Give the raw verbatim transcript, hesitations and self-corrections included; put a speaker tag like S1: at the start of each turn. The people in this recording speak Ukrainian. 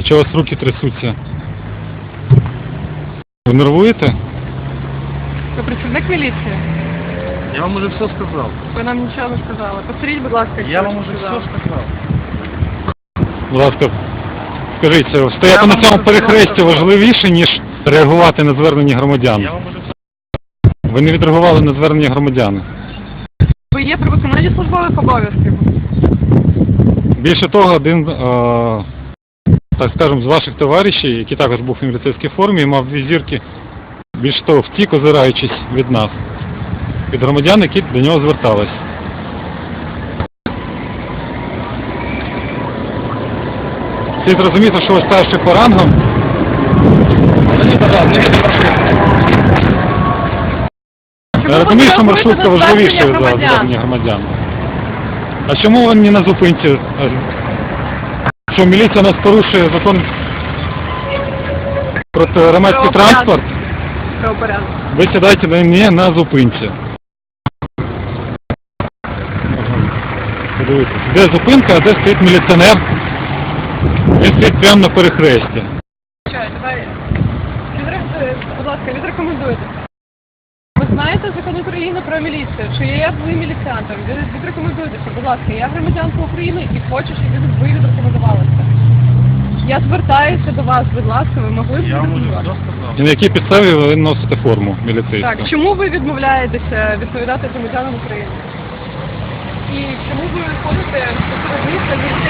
S1: А чого у вас руки трясуться? Ви нервуєте?
S2: Ви працівник міліції?
S3: Я вам уже все сказав.
S2: Ви нам нічого не сказали. Повторіть, будь ласка,
S3: Я
S2: що
S3: вам
S2: ви
S3: уже
S2: сказали.
S3: все сказав.
S1: Будь ласка, скажіть, стояти
S2: Я
S1: на
S2: вам
S1: цьому
S2: уже
S1: перехресті
S2: сказав.
S1: важливіше, ніж реагувати на звернення громадян?
S3: Я вам уже все
S1: Ви не відреагували на звернення громадян.
S2: Ви є при виконанні службових обов'язків.
S1: Більше того, один, е, так скажемо, з ваших товаришів, який також був в міліцейській формі, мав дві зірки, більше того, втік, озираючись від нас, від громадян, які до нього звертались. Слід зрозуміти, що ви старший по рангам. Я розумію, що маршрутка важливіша за звернення громадян. А чому ви не на зупинці? Що міліція нас порушує закон про громадський транспорт?
S2: Правопорядок.
S1: Ви сідайте на не на зупинці. Подивіться, де зупинка, а де стоїть міліціонер? Він стоїть прямо на перехресті.
S2: Чай, давай. Відре- Будь ласка, відрекомендуйте. Ви знаєте закон України про міліцію? Чи є ви міліціантом? Від- Відрекомендуйтеся, будь ласка. Я громадянка України і хочу, щоб ви відрекомендувалися. Я звертаюся до вас, будь ласка, ви могли б
S3: Я вам уже все
S2: відрекомендувати?
S3: сказав.
S1: І на якій підставі ви носите форму міліцейську?
S2: Так, чому ви відмовляєтеся відповідати громадянам України? І чому ви ходите в місце